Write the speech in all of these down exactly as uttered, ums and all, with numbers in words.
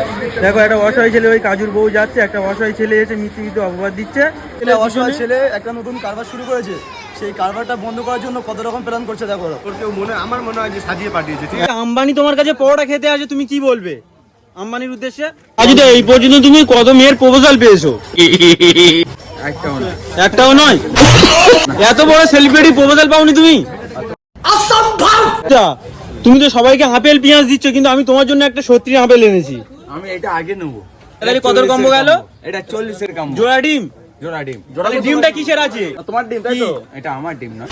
দেখো একটা অসহায় ছেলে ওই কাজুর বউ যাচ্ছে, একটা অসহায় ছেলে এসে মিথ্যে মিথ্যে অপবাদ দিচ্ছে। অসহায় ছেলে একটা নতুন কারবার শুরু করেছে, সেই কারবারটা বন্ধ করার জন্য কত রকম প্ল্যান করছে দেখো। তোর কেউ মনে আমার মনে হয় যে সাজিয়ে পাঠিয়েছে। ঠিক আছে, আম্বানি তোমার কাছে পরোটা খেতে আসে, তুমি কি বলবে আম্বানির উদ্দেশ্যে? কাজুদা এই পর্যন্ত তুমি কত মেয়ের প্রপোজাল পেয়েছো? একটাও না, একটাও নয়। এত বড় সেলিব্রিটি প্রপোজাল পাওনি তুমি? আচ্ছা, তুমি তো সবাইকে আপেল পেঁয়াজ দিচ্ছ, কিন্তু আমি তোমার জন্য একটা সত্যি আপেল এনেছি। আমি এটা আগে নেবো। তাহলে কত কম্বো গেল? এটা চল্লিশের কম্বো। জোড়া ডিম? জোড়া ডিম। তাহলে ডিমটা কিসের আছে? তোমার ডিম তাই তো? এটা আমার ডিম না।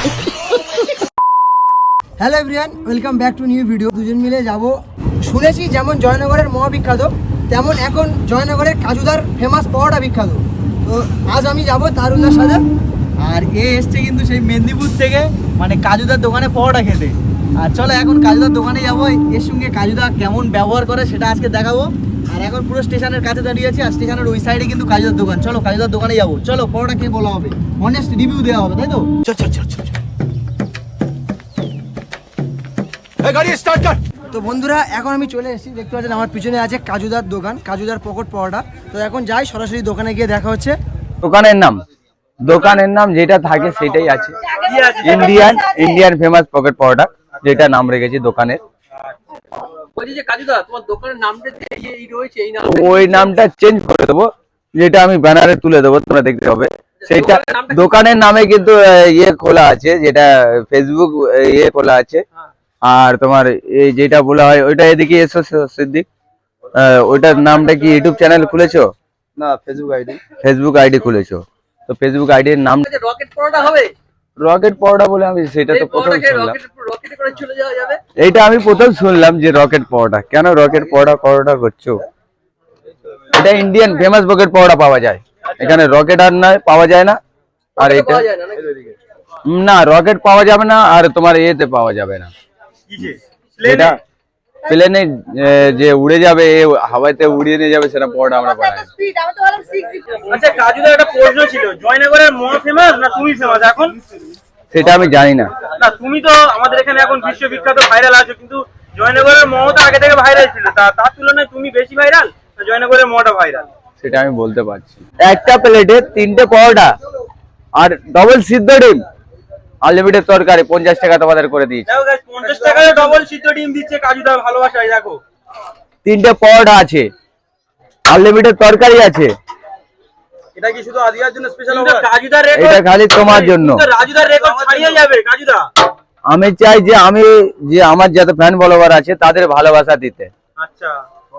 Hello everyone, welcome back to new video. দুজন মিলে যাব, শুনেছি যেমন জয়নগরের মহা বিখ্যাত, তেমন এখন জয়নগরের কাজুদার ফেমাস পরোটা বিখ্যাত। তো আজ আমি যাব তারুণদার সাথে, আর এ এসছে কিন্তু সেই মেদিনীপুর থেকে, মানে কাজুদার দোকানে পরোটা খেতে। আর চলো এখন কাজুদার দোকানে যাবো, এর সঙ্গে কাজুদা কেমন ব্যবহার করে সেটা আজকে দেখাবো। আর এখন পুরো স্টেশনের কাছে দাঁড়িয়ে আছি, আর স্টেশনের ওই সাইডে কিন্তু কাজুদার দোকান। চলো কাজুদার দোকানে যাবো, চলো পরোটা খেয়ে বলা হবে, অনেস্ট রিভিউ দেওয়া হবে, তাই তো? চল চল চল চল। গাড়ি স্টার্ট কর। তো বন্ধুরা এখন আমি চলে এসেছি, দেখতে পাচ্ছেন আমার পিছনে আছে কাজুদার দোকান, কাজুদার পকট পরোটা। তো এখন যাই সরাসরি দোকানে গিয়ে দেখা হচ্ছে। দোকানের নাম দোকানের নাম যেটা থাকে সেটাই আছে, Indian Indian famous pocket paratha, যেটা নাম রেখেছি দোকানের। ওই নামটা চেঞ্জ করে দেবো, যেটা আমি ব্যানারে তুলে দেবো, তোমরা দেখতে হবে। সেটা দোকানের নামে কিন্তু ইয়ে খোলা আছে, যেটা ফেসবুক ইয়ে খোলা আছে। আর তোমার এই যেটা বলা হয় ওইটা, এদিকে এসো সিদ্দিক, ওইটার নামটা কি ইউটিউব চ্যানেল খুলেছো? না, ফেসবুক আইডি। ফেসবুক আইডি খুলেছো, তো ফেসবুক আইডির নাম রকেট পরোটা হবে। রকেট পরোটা বলে আমি সেটা তো প্রথম শুনলাম। এইটা আমি প্রথম শুনলাম যে রকেট পরোটা। কেন রকেট পরোটা পরোটা করছো? এটা ইন্ডিয়ান ফেমাস পকেট পরোটা পাওয়া যায় এখানে, রকেট আর নয়, পাওয়া যায় না। আর এটা না, রকেট পাওয়া যাবে না, আর তোমার এতে পাওয়া যাবে না। এটা প্লেনে যে উড়ে যাবে, হাওয়াতে উড়িয়ে নিয়ে যাবে, সেটা পরোটা আমরা পাই। আচ্ছা কাজুদার একটা প্রশ্ন ছিল, জয়নগরের মহা ফেমাস না তুমি ফেমাস এখন? সেটা আমি জানি না। না তুমি তো আমাদের এখানে এখন বিশ্ববিখ্যাত ভাইরাল আছো, কিন্তু জয়নগরের মহা তো আগে থেকে ভাইরাল ছিল, তা তার তুলনায় তুমি বেশি ভাইরাল না জয়নগরের মহাটা ভাইরাল? সেটা আমি বলতে পারছি। একটা প্লেটে তিনটে পরোটা আর ডবল সিদ্ধ ডিম, আনলিমিটেড তরকারি, পঞ্চাশ টাকা তোমাদের করে দিয়েছি। দেখো গাইস, পঞ্চাশ টাকায় ডবল সিদ্ধ ডিম দিচ্ছে কাজুদা, ভালোবাসায়। দেখো তিনটে পরোটা আছে, আনলিমিটেড তরকারি আছে। এটা কি শুধু আজিয়ার জন্য স্পেশাল অফার? কাজুদার রেকর্ড এটা খালি তোমার জন্য। রাজুদার রেকর্ড ছাড়িয়ে যাবে কাজুদা। আমি চাই যে আমি যে আমার যত ফ্যান ফলোয়ার আছে তাদের ভালোবাসা দিতে। আচ্ছা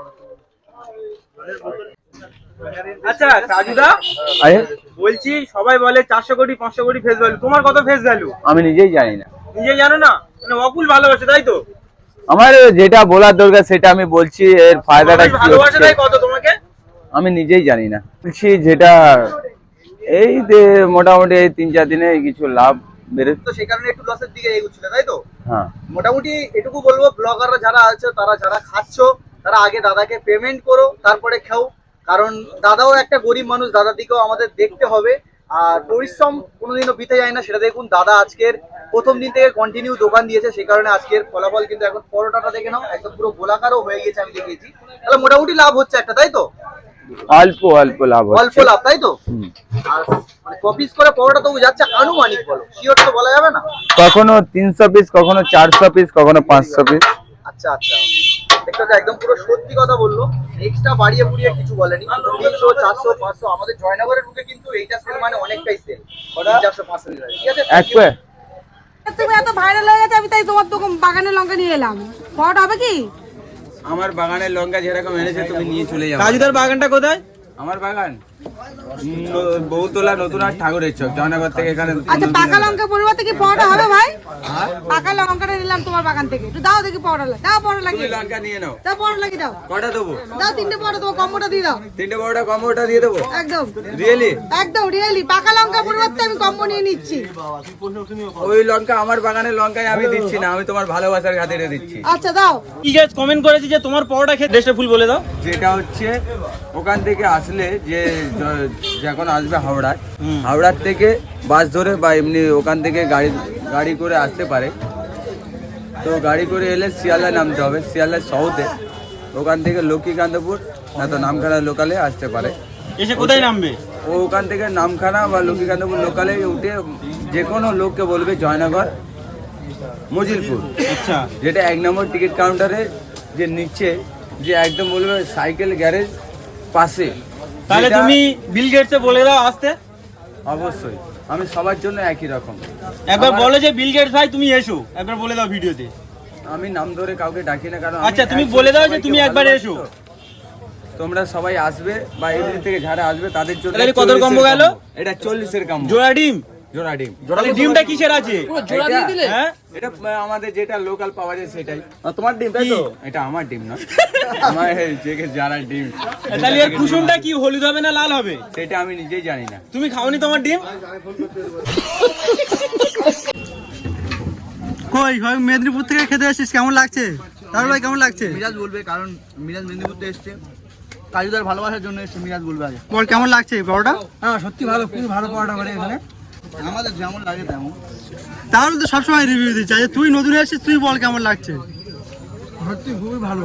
আচ্ছা কাজুদা, আরে বলছি সবাই বলে চারশো কোটি পাঁচশো কোটি ফেস ভ্যালু, তোমার কত ফেস ভ্যালু? আমি নিজেই জানি না। নিজে জানো না, মানে অকুল ভালোবাসে তাই তো? আমার যেটা বলার দরকার সেটা আমি বলছি, এর ফায়দাটা কি ভালোবাসে তাই হচ্ছে কত তোমাকে আমি নিজেই জানি না। বলছি যেটা এই যে মোটামুটি এই তিন চার দিনে কিছু লাভ বেড়ে, তো সেই কারণে একটু লসের দিকে এগোচ্ছিল, তাই তো? হ্যাঁ। মোটামুটি এটুকু বলবো, ব্লগাররা যারা আছে, তারা যারা খাচ্ছ, তারা আগে দাদাকে পেমেন্ট করো, তারপরে খাও। কারণ দাদাও একটা গরিব মানুষ, দাদার দিকেও আমাদের দেখতে হবে। আর পরিশ্রম কোনোদিনও বিতে যায় না, সেটা দেখুন। দাদা আজকের প্রথম দিন থেকে কন্টিনিউ দোকান দিয়েছে, সেই কারণে আজকের ফলাফল কিন্তু এখন পরোটাটা দেখে নাও, একদম পুরো গোলাকারও হয়ে গেছে, আমি দেখেছি। তাহলে মোটামুটি লাভ হচ্ছে একটা, তাই তো? অল্প অল্প লাভ অল্প হচ্ছে। লাভ, তাই তো? আর মানে কপিস করে পরোটা তো যাচ্ছে আনুমানিক, বলো শিওর তো বলা যাবে না। কখনো তিনশো পিস, কখনো চারশো পিস, কখনো পাঁচশো পিস। আচ্ছা আচ্ছা, দেখতে হচ্ছে একদম পুরো সত্যি কথা বললো, এক্সট্রা বাড়িয়ে বুড়িয়ে কিছু বলেনি। তিনশো চারশো পাঁচশো, আমাদের জয়নগরের বুকে কিন্তু এইটা সেল মানে অনেকটাই সেল। চারশো পাঁচশো, ঠিক আছে। এক পে তুমি এত ভাইরাল হয়ে গেছে, আমি তাই তোমার দোকান বাগানের লঙ্কা নিয়ে এলাম। পরোটা হবে কি? আমার বাগানের লঙ্কা যেরকম এনেছে তুমি নিয়ে চলে যাও। কাজুদার বাগানটা কোথায়? আমার বাগান বহুতলা নতুন আর ঠাকুরের চক, জয়নগর থেকে এখানে। আচ্ছা পাকা লঙ্কা পরিবর্তে কি পরোটা হবে ভাই? পাকা লঙ্কাটা নিলাম তোমার বাগান থেকে, একটু দাও দেখি পরোটা। দাও পরোটা লাগিয়ে দাও, লঙ্কা নিয়ে নাও। দাও পরোটা লাগিয়ে দাও। কটা দেবো? দাও তিনটে পরোটা, তোমার কম্বোটা দিয়ে দাও। তিনটে বড়টা কম্বোটা দিয়ে দেবো? একদম রিয়েলি? একদম রিয়েলি, পাকা লঙ্কা পরিবর্তে আমি কম্বো নিয়ে নিচ্ছি। ওই লঙ্কা আমার বাগানের লঙ্কায় আমি দিচ্ছি না, আমি তোমার ভালোবাসার খাতিরে দিচ্ছি। আচ্ছা দাও। কি গাইস কমেন্ট করেছি যে তোমার পরোটা খেতে, দেশটা ফুল বলে দাও। যেটা হচ্ছে ওখান থেকে আসলে যে যখন আসবে হাওড়ায়, হাওড়ার থেকে বাস ধরে বা এমনি ওখান থেকে গাড়ি গাড়ি করে আসতে পারে। তো গাড়ি করে এলে শিয়ালদায় নামতে হবে, শিয়ালদায় সাউথে ওখান থেকে লক্ষ্মীকান্তপুর না তো নামখানা লোকালে আসতে পারে। এসে কোথায় নামবে? ও ওখান থেকে নামখানা বা লক্ষ্মীকান্তপুর লোকালে উঠে যে কোনো লোককে বলবে জয়নগর মজিলপুর, আচ্ছা, যেটা এক নম্বর টিকিট কাউন্টারে যে নিচে, যে একদম বলবে সাইকেল গ্যারেজ পাশে। তাহলে যেটা- তুমি বিল গেটসে বলে দাও আসতে। অবশ্যই আমি সবার জন্য একই রকম। একবার আমার- বলো যে বিল গেটস ভাই তুমি এসো, একবার বলে দাও ভিডিওতে। আমি নাম ধরে কাউকে ডাকি না, কারণ আচ্ছা, আমি তুমি actually বলে দাও যে সবাইকে তুমি একবার ভালোবাসি এসো। তো। তোমরা সবাই আসবে বা এমনি থেকে যারা আসবে তাদের জন্য তাহলে কত চল্লিশের কম্বো গেল? এটা চল্লিশের কম্বো, জোড়া ডিম। জোড়া ডিম। তাহলে ডিমটা কিসের আছে? এটা- হ্যাঁ, এটা আমাদের যেটা লোকাল পাওয়া যায় সেটাই। তোমার ডিম তাই তো? এটা আমার ডিম না, আমার এই যে যারা ডিম, তাহলে এর কুসুমটা কি হলুদ হবে না লাল হবে? সেটা আমি নিজেই জানি না। তুমি খাওনি তোমার ডিম? কই ভাই মেদিনীপুর থেকে খেতে আসছিস, কেমন লাগছে? তাহলে ভাই কেমন লাগছে? মিরাজ বলবে, কারণ মিরাজ মেদিনীপুর থেকে এসছে, কাজুদার ভালোবাসার জন্য এসছে। মিরাজ বলবে আগে। বল কেমন লাগছে বড়টা? হ্যাঁ সত্যি ভালো, খুবই ভালো পরোটা করে এখানে। আমাদের যেমন লাগে তেমন। তাহলে তো সবসময় রিভিউ দিচ্ছি, আচ্ছা তুই নতুন এসেছিস, তুই বল কেমন লাগছে? সত্যি খুবই ভালো।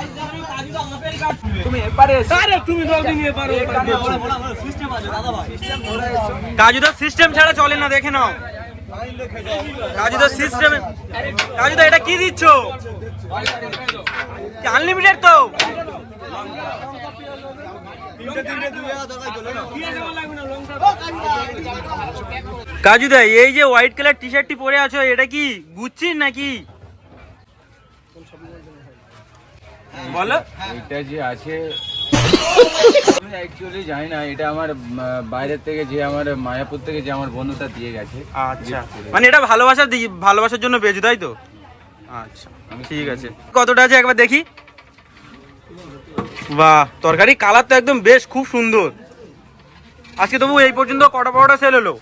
কাজুদা সিস্টেম ছাড়া চলে না, দেখে নাও। কাজুদা সিস্টেম। কাজুদা এটা কি দিচ্ছ? আনলিমিটেড তো? কাজুদা এই যে হোয়াইট কালার টি শার্টটি পরে আছো, এটা কি গুচ্ছির নাকি? বলো। এটা যে আছে আমি অ্যাকচুয়ালি জানি না, এটা আমার আহ, বাইরের থেকে যে আমার মায়াপুর থেকে যে আমার বন্ধুটা দিয়ে গেছে। আচ্ছা, মানে এটা ভালোবাসার দি- ভালোবাসার জন্য পেয়েছো তাই তো? আচ্ছা ঠিক আছে। কতটা আছে একবার দেখি। বাহ, তরকারি কালার তো একদম বেশ, খুব সুন্দর। আজকে তবু এই পর্যন্ত কটা পরোটা সেল হলো?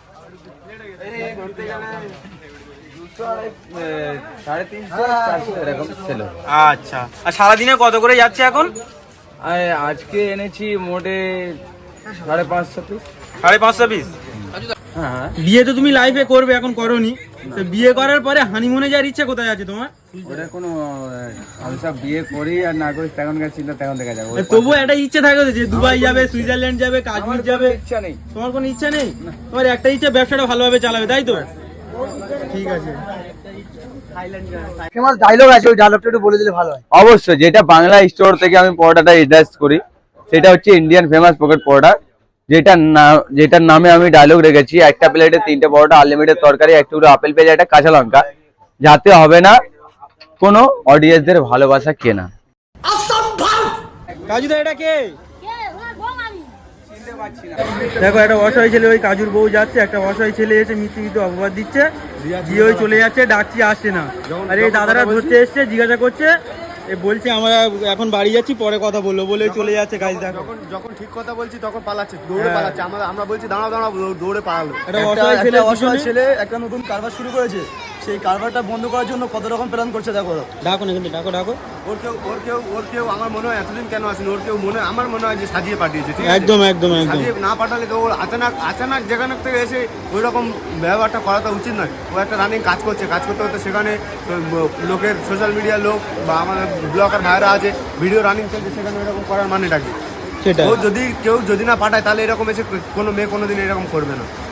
দুশো আড়াই, আহ, সাড়ে তিনশো চারশো এরকম ছিল। আচ্ছা, আর সারাদিনে কত করে যাচ্ছে এখন? আর আজকে এনেছি মোটে সাড়ে পাঁচশো পিস। সাড়ে পাঁচশো পিস। হ্যাঁ, বিয়ে তো তুমি লাইফে করবে, এখন করোনি, তো বিয়ে করার পরে হানিমুনে যাওয়ার ইচ্ছে কোথায় আছে তোমার? ওটা কোনো আহ, আমি সব বিয়ে করি আর না করি তখনকার চিন্তা তখন দেখা যাবে। ওই তবুও একটা ইচ্ছে থাকে তো যে দুবাই যাবে, সুইজারল্যান্ড যাবে, কাশ্মীর যাবে। ইচ্ছা নেই। তোমার কোনো ইচ্ছা নেই? তোমার একটা ইচ্ছা ব্যবসাটা ভালোভাবে চালাবে, তাই তো? ঠিক আছে। ফেমাস ডায়লগ আছে, ওই ডায়লগটা একটু বলে দিলে ভালো হয়। অবশ্যই, যেটা বাংলা স্টোর থেকে আমি পরোটাটা অ্যাড্রেস করি, সেটা হচ্ছে ইন্ডিয়ান ফেমাস পকেট পরোটা, যেটা না যেটার নামে আমি ডায়লগ রেখেছি, একটা প্লেটে তিনটে পরোটা, আনলিমিটেড তরকারি, এক টুকরো আপেল পেঁয়াজ, একটা কাঁচা লঙ্কা, যাতে হবে না কোনো অডিয়েন্সদের ভালোবাসা কেনা। কাজুদা এটা কে? দেখো একটা অসহায় ছেলে, ওই কাজুর বউ যাচ্ছে, একটা অসহায় ছেলে এসে মিথ্যে মিথ্যে অপবাদ দিচ্ছে, দিয়ে ওই চলে যাচ্ছে, ডাকছি আসছে না। আর এই দাদারা ধরতে এসছে, জিজ্ঞাসা করছে, এ বলছে আমরা এখন বাড়ি যাচ্ছি, পরে কথা বললো বলে চলে যাচ্ছে। গাইজ দেখো, যখন যখন ঠিক কথা বলছি তখন পালাচ্ছে, দৌড়ে পালাচ্ছে। আমরা আমরা বলছি দাঁড়াও দাঁড়াও, দৌ- দৌড়ে পালালো। একটা অসহায় ছেলে অসহায় পিছনে- ছেলে একটা নতুন কারবার শুরু করেছে, সেই কারবারটা বন্ধ করার জন্য কত রকম প্ল্যান করছে দেখো। ডাকো না কিন্তু, ডাকো ডাকো। ওর কেউ ওর কেউ ওর কেউ আমার মনে হয় এতদিন কেন আসেনি, ওর কেউ মনে আমার মনে হয় যে সাজিয়ে পাঠিয়েছে। ঠিক আছে, একদম একদম একদম। সাজিয়ে না পাঠালে তো ওর আচানক আচানক যেখানে থেকে এসে ওই রকম ব্যবহারটা করাটা উচিত নয়। ও একটা রানিং কাজ করছে, কাজ করতে করতে সেখানে লোকের সোশ্যাল মিডিয়ার লোক বা আমাদের ব্লগার ভাইরা আছে, ভিডিও রানিং চলছে, সেখানে এরকম করার মানেটা কি? সেটা ও যদি কেউ যদি না পাঠায় তাহলে এরকম এসে কোনো মেয়ে কোনোদিন এরকম করবে না।